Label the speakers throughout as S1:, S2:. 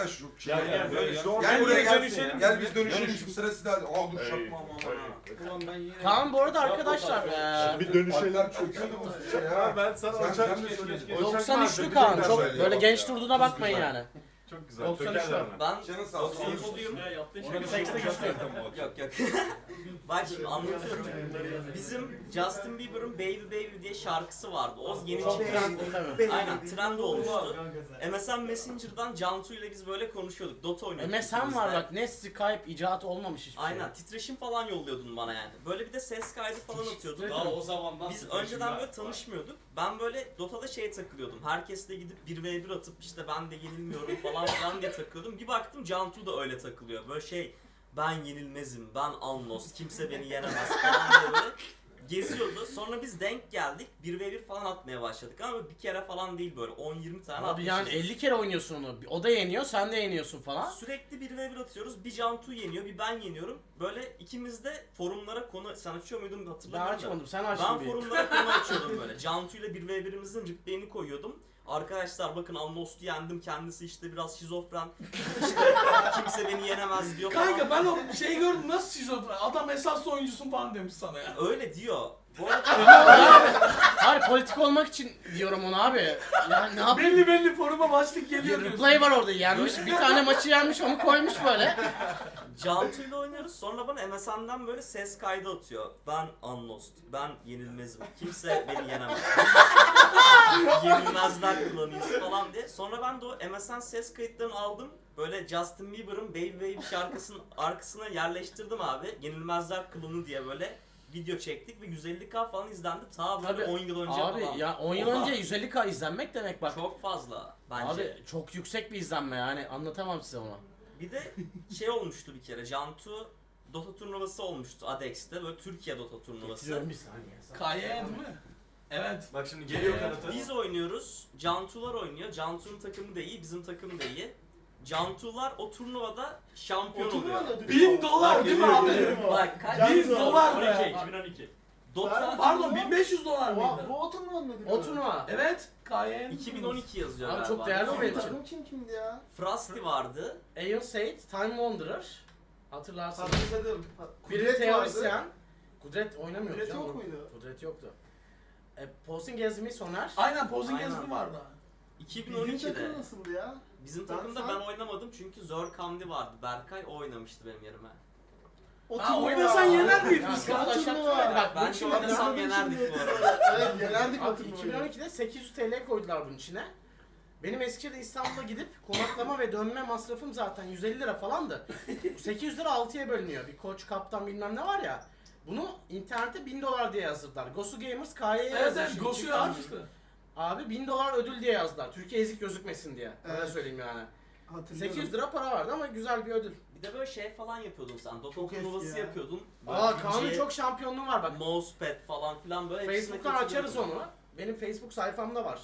S1: Şu
S2: Gel böyle
S1: Gel buraya gel.
S2: dönüşelim.
S1: Gel biz dönüşelim şu sırası da. Aa dur çakma
S2: Ulan ben yine...
S3: Kaan bu arada arkadaşlar
S4: Bir dönüşelim.
S1: çöküyordu bu şey ya.
S4: Ben sana
S1: Sen
S4: uçak
S1: mi söyledin?
S3: 93'lü Kaan. Çok böyle genç durduğuna bakmayın yani.
S4: Çok güzel.
S3: 93 var.
S5: Ben
S1: Canın sağ olsun.
S5: 93'lüyüm.
S3: Ona bir sekste geçti.
S5: Yok yok. Bak şimdi anlatıyorum. Bizim Justin Bieber'ın Baby Baby diye şarkısı vardı. O yeni
S3: Çok
S5: çıkan.
S3: trendli tabii.
S5: Aynen trend olmuştu. MSN Messenger'dan Cantu ile biz böyle konuşuyorduk. Dota oynuyorduk.
S3: MSN var bak, ne Skype icat olmamış hiçbir şey.
S5: Aynen titreşim falan yolluyordun bana yani. Böyle bir de ses kaydı falan atıyorduk.
S2: Daha o zamandan
S5: Biz önceden böyle tanışmıyorduk. Ben böyle Dota'da takılıyordum. Herkesle gidip 1v1 atıp işte ben de yenilmiyorum falan filan diye takılıyordum. Bir baktım Cantu da öyle takılıyor. Böyle ben yenilmezim, ben Alnos, kimse beni yenemez falan diye böyle geziyordu. Sonra biz denk geldik. 1v1 falan atmaya başladık ama bir kere falan değil böyle 10-20 tane
S3: Abi yani
S5: atmışız.
S3: 50 kere oynuyorsun onu. O da yeniyor, sen de yeniyorsun falan.
S5: Sürekli 1v1 atıyoruz. Bir Cantu yeniyor, bir ben yeniyorum. Böyle ikimiz de forumlara konu... Sen açıyor muydun
S3: Ben
S5: hatırlamıyorum da.
S3: açmadım, sen
S5: Ben
S3: açtın bir.
S5: forumlara konu açıyordum böyle. Cantu ile 1v1'imizin replay'ini koyuyordum. Arkadaşlar bakın Almost'u yendim, kendisi işte biraz şizofren. İşte kimse beni yenemez diyor falan.
S2: Kanka ben o şeyi gördüm, nasıl şizofren? Adam esaslı oyuncusun falan demiş sana ya.
S5: Öyle diyor. Bu arada
S3: Hayır, politik olmak için diyorum onu abi. Yani ne yapayım?
S2: Belli foruma başlık geliyor
S3: Bir
S2: diyorsun.
S3: replay var orada, yenmiş. Bir tane maçı yenmiş, onu koymuş böyle.
S5: Cantu ile oynuyoruz. Sonra bana MSN'den böyle ses kaydı atıyor. Ben Unlost, ben yenilmezim. Kimse beni yenemez. Yenilmezler klanıyız falan diye. Sonra ben de o MSN ses kayıtlarını aldım. Böyle Justin Bieber'ın Baby Baby şarkısının arkasına yerleştirdim abi. Yenilmezler klanı diye böyle video çektik ve 150k falan izlendi. Ta böyle
S3: Tabii.
S5: 10 yıl önce
S3: Abi
S5: falan.
S3: ya 10 yıl önce 150k izlenmek demek bak.
S5: Çok fazla bence.
S3: Abi çok yüksek bir izlenme yani, anlatamam size onu.
S5: Bir de olmuştu bir kere. Cantu Dota turnuvası olmuştu Adex'te. Böyle Türkiye Dota turnuvası.
S3: Getiriyorum bir saniye.
S2: Kaya değil mi? Evet.
S4: Bak şimdi geliyor kanıtı.
S5: Biz oynuyoruz. Cantular oynuyor. Cantu'nun takımı da iyi, bizim takım da iyi. Cantular o turnuvada şampiyon oluyor.
S2: $1000 değil mi abi?
S5: Bak kaç?
S2: $1000 be.
S6: 2012.
S5: Dota
S2: Pardon $1500 mıydı?
S7: Bu oturma mı?
S3: O turnuva.
S2: Evet. Kaya
S5: 2012 yazıyor
S3: Abi
S5: galiba.
S3: çok değerli o benim için.
S7: Takım kimdi ya?
S5: Frosty vardı.
S3: Aeon Sait, Time Wanderer. Hatırlarsınız.
S7: Hatırladım.
S3: Biri
S7: Kudret
S3: teorisyen.
S7: vardı.
S3: Kudret oynamıyor.
S7: Kudret
S3: canım.
S7: yok muydu?
S3: Kudret yoktu. Posing Gezmi Soner.
S2: Aynen Posing
S5: Aynen.
S2: Gezmi vardı.
S7: Bizim
S5: 2012'de.
S7: takım nasıldı ya?
S5: Bizim
S7: Ben
S5: takımda
S7: sen-
S5: ben oynamadım çünkü Zor Kamdi vardı. Berkay o oynamıştı benim yerime.
S2: Ha oynasan yener miyiz
S3: Ya
S2: biz
S3: çok
S2: kanka?
S3: taşak turnuva. Bak bu
S5: Bence
S3: için
S5: oynasam yenerdik bu arada.
S7: Evet yenerdik o
S3: Abi
S7: turnuvayı.
S3: 2012'de 800 TL koydular bunun içine. Benim Eskişehir'de İstanbul'a gidip konaklama ve dönme masrafım zaten 150 lira falandı. 800 lira 6'ya bölünüyor. Bir koç, kaptan bilmem ne var ya. Bunu internete $1000 diye yazdırdılar. Gosu Gamers KY'ye
S2: Evet
S3: yazmış.
S2: evet Gosu'yu açtı.
S3: Abi $1000 ödül diye yazdılar. Türkiye ezik gözükmesin diye. Öyle
S7: Evet.
S3: söyleyeyim yani.
S7: Hatırlıyorum.
S3: 800 lira para vardı ama güzel bir ödül.
S5: Bir de böyle falan yapıyordun sen. Dota
S7: Çok eski
S5: turnuvası
S7: ya.
S5: yapıyordun. Böyle
S3: Aa Kaan'ın
S5: DJ,
S3: çok şampiyonluğu var bak.
S5: Mousepad falan filan böyle. hepsine
S3: Facebook'tan açarız
S5: katılıyordun.
S3: onu. Benim Facebook sayfamda var.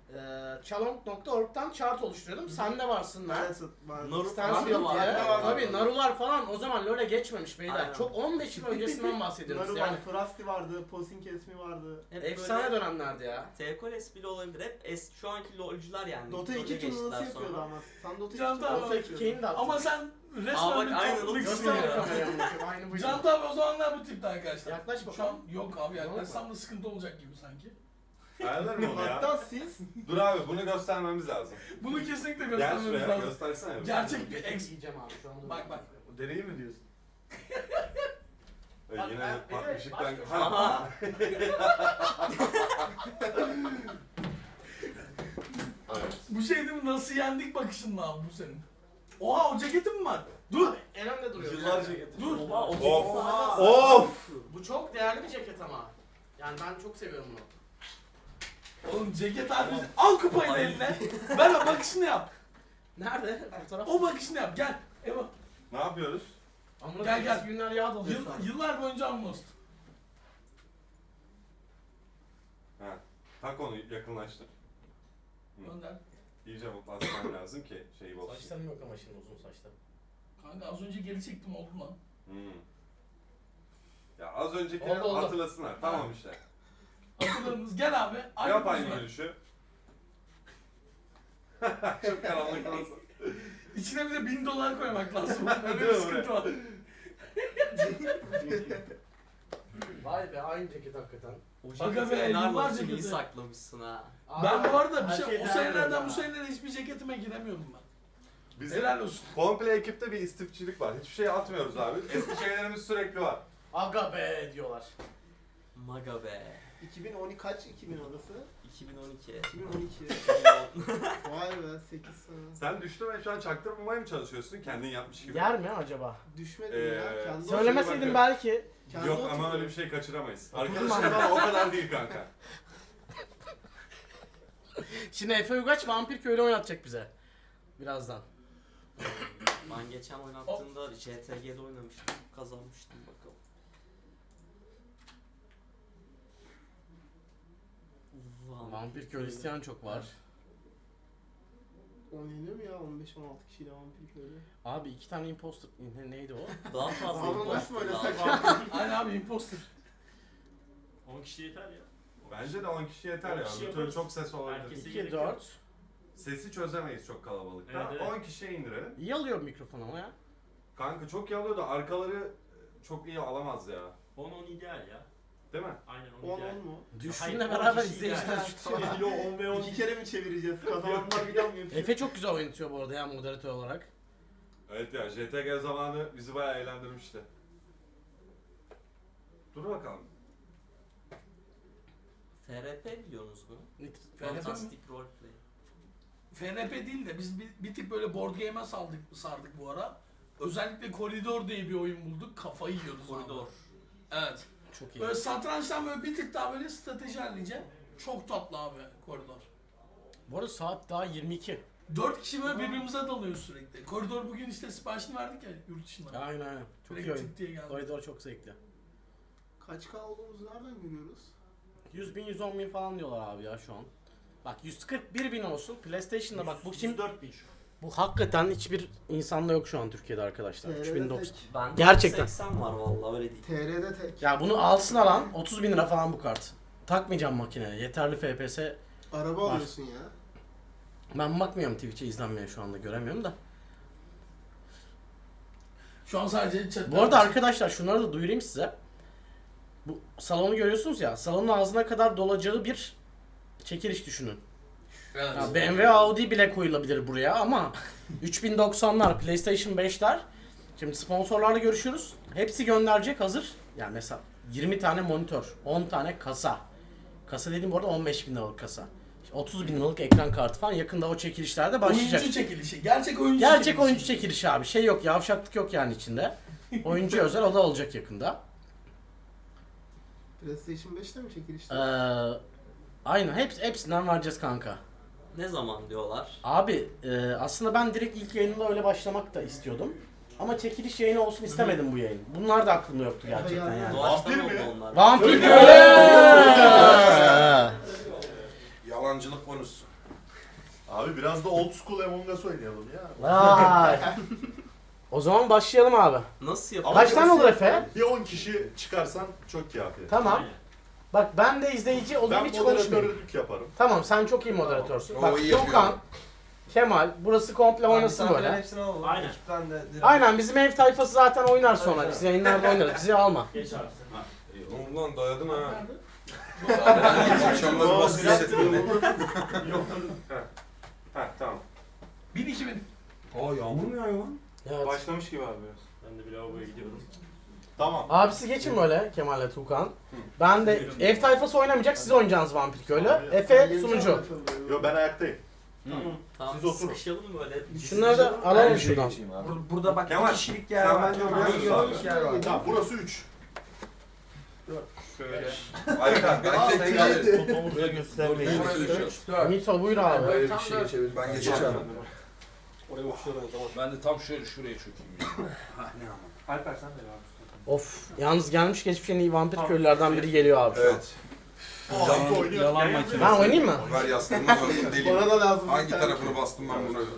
S3: Chalong.org'dan chart oluşturuyordum. Sen de varsın lan.
S7: Evet, vardı.
S5: Naruto
S3: Stanfield
S5: var.
S3: diye.
S7: var.
S3: Tabii Narular falan o zaman LoL'e geçmemiş beyler.
S5: Aynen.
S3: Çok 15 yıl öncesinden bahsediyoruz
S7: Naru
S3: yani.
S7: vardı, Frosty vardı, Posing Kesmi vardı.
S5: Hep
S3: Efsane
S5: böyle
S3: dönemlerdi ya.
S5: T-Coles bile olabilir. Hep şu anki LoL'cular yani.
S7: Dota
S5: LoL'e
S7: 2
S5: geçtiler
S7: turnuvası yapıyordu
S5: sonra.
S7: ama. Sen Dota 2
S2: Can
S7: turnuvası
S2: Tamam.
S3: Dota
S7: yapıyordun.
S3: 2'yi de attım.
S2: Ama sen
S5: Aa,
S2: resmen
S5: bak,
S2: bir
S5: aynen,
S2: topluluksun
S3: Göster
S2: ya.
S3: kameraya bakayım, aynı bu.
S2: Can Tamam o zamanlar bu tipte arkadaşlar.
S3: Yaklaş
S2: Şu an
S3: bakalım.
S2: yok abi yaklaşsam da sıkıntı olacak gibi sanki.
S4: Ayarlar mı onu ya?
S7: Hatta siz
S4: Dur abi bunu göstermemiz lazım.
S2: Bunu kesinlikle
S4: Gel
S2: göstermemiz
S4: şuraya
S2: lazım.
S4: göstersene.
S2: Gerçek bir ex.
S3: Yiyeceğim abi şu anda.
S2: Bak bak.
S4: Deneyi mi diyorsun?
S3: Bak,
S4: Yine
S3: bir de
S4: bak ışıktan...
S3: başka-
S5: Aha.
S4: Evet.
S2: Bu şey değil mi? Nasıl yendik bakışınla abi bu senin. Oha o ceketin mi var? Dur.
S3: Abi, en önde duruyor.
S4: Yıllarca
S3: Yani.
S4: getirdim.
S2: Dur.
S5: Oha, o
S4: Of.
S3: Of. Bu çok değerli bir ceket ama. Yani ben çok seviyorum bunu.
S2: Oğlum ceket abi. Al kupayı da
S5: Ay.
S2: eline. Ver o bakışını yap.
S3: Nerede? Fotoğraf.
S2: O bakışını yap. Gel. Eva.
S4: Ne yapıyoruz?
S3: Amına
S2: Gel,
S3: koyayım,
S2: gel.
S3: eski günler yağ doluyor şu an.
S2: Yıllar boyunca Amnost.
S4: Ha. Tak onu yakınlaştır.
S2: Gönder.
S4: İyice mutlasam lazım ki şey olsun.
S3: Saçlarım yok ama şimdi uzun saçlarım.
S2: Kanka az önce geri çektim oldu lan.
S4: Hmm. Ya az öncekileri
S3: Oldu, oldu.
S4: hatırlasınlar. Tamam işte.
S2: Hatırladınız. Gel abi.
S4: Yap
S2: pozu
S4: aynı
S2: ver.
S4: gülüşü. Çok karanlık olsun.
S2: İçine bir de $1000 koymak lazım. Öyle bir sıkıntı var.
S3: Vay be aynı ceket hakikaten.
S5: O
S2: Aga
S5: ceketi
S2: be,
S5: helal
S2: yıllar
S5: olsun iyi
S2: ceketi.
S5: saklamışsın ha.
S2: Ben bu arada bir
S7: Her
S2: şey,
S7: şey
S2: o
S7: değerli
S2: senelerden
S7: ya.
S2: bu senelere hiçbir ceketime giremiyordum ben.
S4: Bizim
S2: Helal olsun.
S4: komple ekipte bir istifçilik var. Hiçbir şey atmıyoruz abi. Eski şeylerimiz sürekli var.
S3: Aga be diyorlar.
S5: Maga be.
S7: 2012 kaç 2000 orası?
S5: 2012.
S7: 2012. Vay be 8 sene.
S4: Sen düştün ve şu an çaktırmamaya mı çalışıyorsun? Kendin yapmış gibi.
S3: Yer mi acaba?
S7: Düşmedim ya. Kendi
S3: Söylemeseydim
S4: bakıyorum.
S3: belki.
S7: kendi
S4: Yok ama
S7: oturuyor.
S4: öyle bir şey kaçıramayız.
S3: Oturdum
S4: Arkadaşlar ama o kadar değil kanka.
S3: Şimdi Efe Ugaç Vampir Köylü oynatacak bize. Birazdan.
S5: Ben geçen oynattığımda JTG'de oynamıştım. Kazanmıştım bakalım.
S3: Vampir Köylü isteyen çok var.
S7: Oynanıyor mu ya 15-16 kişiyle vampir köylü?
S3: Abi 2 tane imposter neydi o?
S5: Daha fazla
S7: Ama
S5: imposter
S7: nasıl böyle
S5: lazım.
S2: Aynen abi imposter.
S6: 10 kişi yeter ya.
S4: Bence de 10 kişi yeter
S6: 10
S4: ya.
S6: kişi
S4: Bir türlü
S6: yaparız.
S4: çok ses olabilir.
S6: Herkes-
S3: 2 4.
S4: Sesi çözemeyiz çok kalabalıkta.
S6: Evet, evet.
S4: 10 kişiye indirelim.
S3: İyi alıyor mikrofon ama ya.
S4: Kanka çok iyi alıyor da arkaları çok iyi alamaz ya.
S6: 10 ideal ya.
S4: Değil mi?
S6: Aynen 10
S7: 10
S6: ideal.
S7: 10 mu?
S3: Düşüşünle
S6: Hayır, on
S3: beraber
S6: kişi
S3: izleyiciler
S6: ideal. Yo 10 ve 10.
S7: 2 kere mi çevireceğiz? Kazananlar bir daha mı yapıyor?
S3: Efe çok güzel oynatıyor bu arada ya moderatör olarak.
S4: Evet ya JTG zamanı bizi bayağı eğlendirmişti. Dur bakalım.
S5: FRP biliyorsunuz mu?
S2: FRP mi?
S5: Fantastic Roleplay.
S2: FRP değil de biz bir tık böyle board game'e sardık bu ara. Özellikle Koridor diye bir oyun bulduk. Kafayı yiyoruz.
S5: Koridor.
S2: abi. Evet.
S3: Çok iyi.
S2: Böyle satrançtan böyle bir tık daha böyle strateji hallince. Çok tatlı abi Koridor.
S3: Bu arada saat daha 22.
S2: 4 kişi böyle birbirimize dalıyoruz sürekli. Koridor bugün işte siparişini verdik ya yurt dışından.
S3: Aynen aynen. Çok iyi
S2: Direkt
S3: oyun.
S2: tık diye geldi.
S3: Koridor çok zevkli.
S7: Kaç K olduğumuzu nereden görüyoruz?
S3: 100 bin 110 bin falan diyorlar abi ya şu an. Bak 141 bin olsun. PlayStation'da bak bu kim?
S6: 104 bin şu.
S3: Bu hakikaten hiçbir insanda yok şu an Türkiye'de arkadaşlar.
S7: TR'de
S3: 3090.
S7: tek.
S5: Ben
S3: Gerçekten.
S5: 80 var vallahi öyle değil.
S7: TR'de tek.
S3: Ya bunu alsın alan 30 bin lira falan bu kart. Takmayacağım makineye. Yeterli FPS.
S7: Araba
S3: Var.
S7: alıyorsun ya.
S3: Ben bakmıyorum Twitch'e izlenmeye şu anda göremiyorum da.
S2: Şu an sadece chat.
S3: Bu arada arkadaşlar şunları da duyurayım size. Bu salonu görüyorsunuz ya. Salonun ağzına kadar dolacağı bir çekiliş düşünün.
S2: Evet.
S3: Ya BMW Audi bile koyulabilir buraya ama 3090'lar, PlayStation 5'ler. Şimdi sponsorlarla görüşüyoruz. Hepsi gönderecek hazır. Yani mesela 20 tane monitör, 10 tane kasa. Kasa dediğim bu arada 15 bin liralık kasa. İşte 30 bin liralık ekran kartı falan yakında o çekilişlerde başlayacak.
S2: Oyuncu çekilişi. Gerçek oyuncu
S3: Gerçek
S2: çekilişi.
S3: oyuncu çekilişi abi. Şey yok, yavşaklık yok yani içinde. Oyuncu özel o da olacak yakında.
S7: PlayStation 5'te mi çekilişte?
S3: Aynen hepsinden vereceğiz kanka.
S5: Ne zaman diyorlar?
S3: Abi aslında ben direkt ilk yayınında öyle başlamak da istiyordum. Ama çekiliş yayını olsun istemedim bu yayın. Bunlar da aklımda yoktu gerçekten yani.
S5: Doğaçlama
S4: Vampir mi?
S5: oldu onlar.
S3: Vampir
S1: Yalancılık konusu.
S8: Abi biraz da old school Among Us oynayalım ya.
S3: Vay. O zaman başlayalım abi.
S5: Nasıl
S8: Ama
S5: yapalım?
S3: Kaç tane olur Efe?
S8: Bir 10 kişi çıkarsan çok kafi.
S3: Tamam.
S6: Aynen.
S3: Bak ben de izleyici olayım
S8: Ben
S3: hiç konuşmayayım.
S8: moderatörlük yaparım.
S3: Tamam sen çok iyi moderatörsün.
S1: O
S3: Bak
S1: iyi yapıyor.
S3: Tuğkan, Kemal burası komple oynasın böyle.
S9: Hepsini alalım.
S6: Aynen.
S9: Ekipten de direkt.
S3: Aynen bizim ev tayfası zaten oynar sonra. Biz yayınlarda oynarız. Bizi alma.
S6: Geç abi sen.
S4: Ulan dayadın ha.
S1: Akşamları basın hissettim.
S4: Ha tamam.
S2: 1000-2000.
S1: Aa yağmur mu yağıyor lan?
S3: Evet.
S1: Başlamış gibi abi biraz.
S6: Ben de bir lavaboya gidiyorum.
S8: Tamam.
S3: Abisi geçin böyle Kemal'le Tuğkan. Ben de ev tayfası oynamayacak siz oynayacaksınız Vampir Köylü. Efe sunucu.
S8: Yo ben ayaktayım.
S5: Tamam
S8: Siz oturun.
S5: sıkışalım böyle.
S3: Şunları da alalım şuradan.
S9: Burada bak
S4: Kemal,
S9: bir kişilik yer
S4: sen
S9: var.
S4: bence oraya
S9: Bir
S4: dur abi.
S9: kişilik yer var.
S8: Tamam burası 3.
S1: Şöyle. Harika. Ben tek
S9: Buraya göstermeyin.
S3: Mito buyur abi.
S1: Böyle bir şey çevir. Ben geçeceğim.
S9: Oraya uçuyorum o zaman. Ben de tam şöyle şuraya çökeyim. Ya.
S6: Alper sen de abi.
S3: Of yalnız gelmiş geçmiş en iyi Vampir Köylülerden biri geliyor abi.
S1: Evet.
S8: Cantu oynuyor.
S9: Yalan makinesi.
S3: Ben oynayayım mı?
S1: Ver yastığımı sonra deliyim.
S7: Bana da lazım.
S1: Hangi tarafını bastım ben bunu?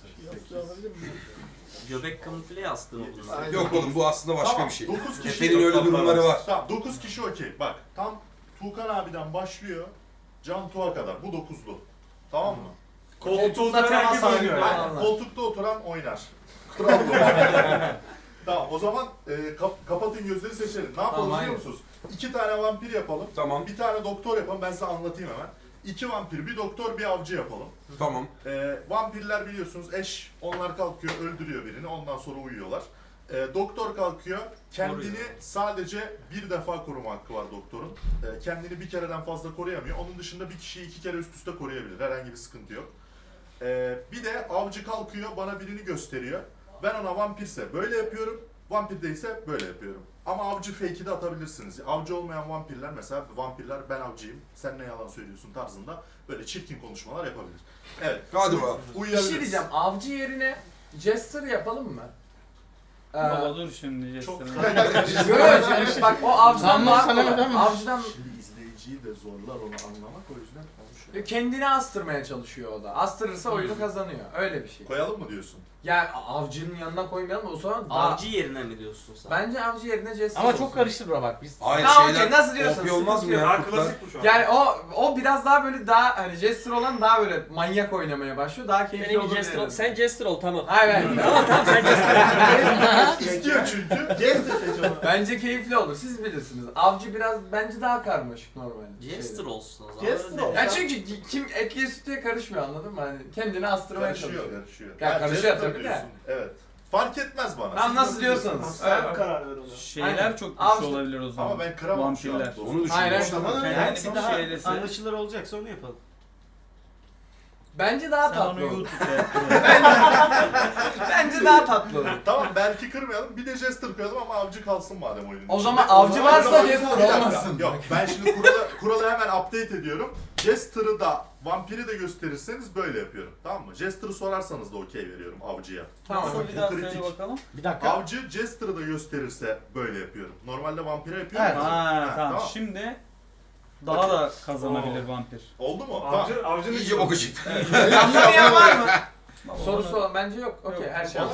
S5: Göbek kamufle yastığı mı bunlar?
S7: Aynen.
S1: Yok oğlum bu aslında başka
S8: Tamam,
S1: bir şey.
S8: 9 kişi.
S1: Efe'nin öyle durumları var.
S8: Tamam 9 kişi okey. Bak tam Tuğkan abiden başlıyor. Cantu'a kadar. Bu 9'lu. Tamam mı?
S4: Koltukta
S3: oturan herkes oynuyor yani.
S8: Aynen, koltukta oturan oynar. Kral bu. Tamam o zaman kapatın gözleri seçelim. Ne yapalım
S9: Tamam,
S8: biliyor musunuz? 2 tane vampir yapalım.
S1: Tamam.
S8: Bir tane doktor yapalım. Ben size anlatayım hemen. 2 vampir, bir doktor, bir avcı yapalım.
S1: Tamam.
S8: Vampirler biliyorsunuz eş. Onlar kalkıyor, öldürüyor birini. Ondan sonra uyuyorlar. Doktor kalkıyor. Kendini sadece bir defa koruma hakkı var doktorun. Kendini bir kereden fazla koruyamıyor. Onun dışında bir kişiyi 2 kere üst üste koruyabilir. Herhangi bir sıkıntı yok. Bir de avcı kalkıyor, bana birini gösteriyor. Ben ona vampirse böyle yapıyorum. Vampir değilse böyle yapıyorum. Ama avcı fake'i de atabilirsiniz. Avcı olmayan vampirler mesela vampirler ben avcıyım, sen ne yalan söylüyorsun tarzında böyle çirkin konuşmalar yapabilir. Evet.
S1: Hadi bakalım.
S10: Bir
S8: Uyuyabiliriz.
S10: şey diyeceğim. Avcı yerine Jester yapalım mı?
S11: Baba dur şimdi
S8: Çok
S10: Yok şimdi bak o avcıdan
S3: Zamlı
S10: daha
S3: sana
S10: kolay.
S3: neden mi?
S10: Avcıdan
S8: Şimdi izleyiciyi de zorlar onu anlamak o yüzden konuşuyor.
S10: kendini astırmaya çalışıyor o da. Astırırsa oyunu kazanıyor. Öyle bir şey.
S8: Koyalım mı diyorsun?
S10: Yani avcının yanına koymayalım o zaman daha...
S5: Avcı yerine mi diyorsun sen?
S10: Bence avcı yerine Jester
S3: Ama
S10: olsun.
S3: çok karıştır bura bak biz.
S1: Hayır
S10: Ha,
S1: şeyler
S10: okey, nasıl diyorsun?
S1: OP olmaz mı
S10: Sıkıntı
S1: ya?
S10: yok.
S1: kurtlar?
S6: Klasik bu şu an.
S10: Yani o biraz daha böyle daha hani Jester olan daha böyle manyak oynamaya başlıyor. Daha keyifli olur diyelim.
S5: Sen Jester ol tamam.
S10: Hayır.
S5: Tamam sen Jester.
S8: İstiyor çünkü.
S7: Jester seç onu.
S10: Bence keyifli olur. Siz bilirsiniz. Avcı biraz bence daha karmaşık normalde.
S5: Jester olsun o zaman.
S7: Jester ol.
S10: Ya çünkü kim etliye sütüye karışmıyor anladın mı? Hani kendini astırmaya çalışıyor.
S8: Karışıyor.
S10: Ya karışıyor
S8: Jester
S10: tabii de.
S8: diyorsun. Evet. Fark etmez bana.
S10: Tamam
S8: Siz
S10: nasıl
S8: nasıl
S10: diyorsanız.
S7: Sen
S10: Evet.
S7: karar ver ona.
S11: Şeyler
S10: Aynen.
S11: çok güçlü
S10: Avcı-
S11: olabilir o zaman.
S8: Ama ben kıramam şu an.
S11: Vampirler.
S8: dostum.
S1: Onu
S10: Aynen.
S1: düşünüyorum.
S7: Tamam
S11: Kendini
S7: hangisi
S11: bir
S7: daha
S11: şeylese-
S7: anlaşılır olacaksa onu yapalım.
S10: Bence daha
S11: Sen
S10: tatlı
S11: onu
S10: olur.
S11: YouTube'da yap.
S10: Bence daha tatlı olur.
S8: Tamam belki kırmayalım. Bir de Jester koyalım ama avcı kalsın madem oyunun
S10: O
S8: içinde.
S10: zaman avcı varsa
S8: Bir
S10: Jester
S8: dakika.
S10: olmasın.
S8: Yok ben şimdi kuralı hemen update ediyorum. Jester'ı da vampiri de gösterirseniz böyle yapıyorum. Tamam mı? Jester'ı sorarsanız da okey veriyorum avcıya.
S10: Tamam.
S11: Nasıl bir
S8: Bu
S11: daha
S8: kritik.
S11: söyle bakalım.
S3: Bir dakika.
S8: Avcı Jester'ı da gösterirse böyle yapıyorum. Normalde vampire yapıyorum.
S3: Evet.
S8: ya.
S11: Ha, tamam.
S8: tamam.
S11: Şimdi daha da kazanabilir vampir.
S8: Oldu mu? Tamam.
S6: Avcının
S1: İyice boku çıktı.
S10: Anlamayan var mı?
S11: Baba,
S10: Sorusu
S11: onu-
S10: olan bence yok. Okey her şey.
S11: Yok.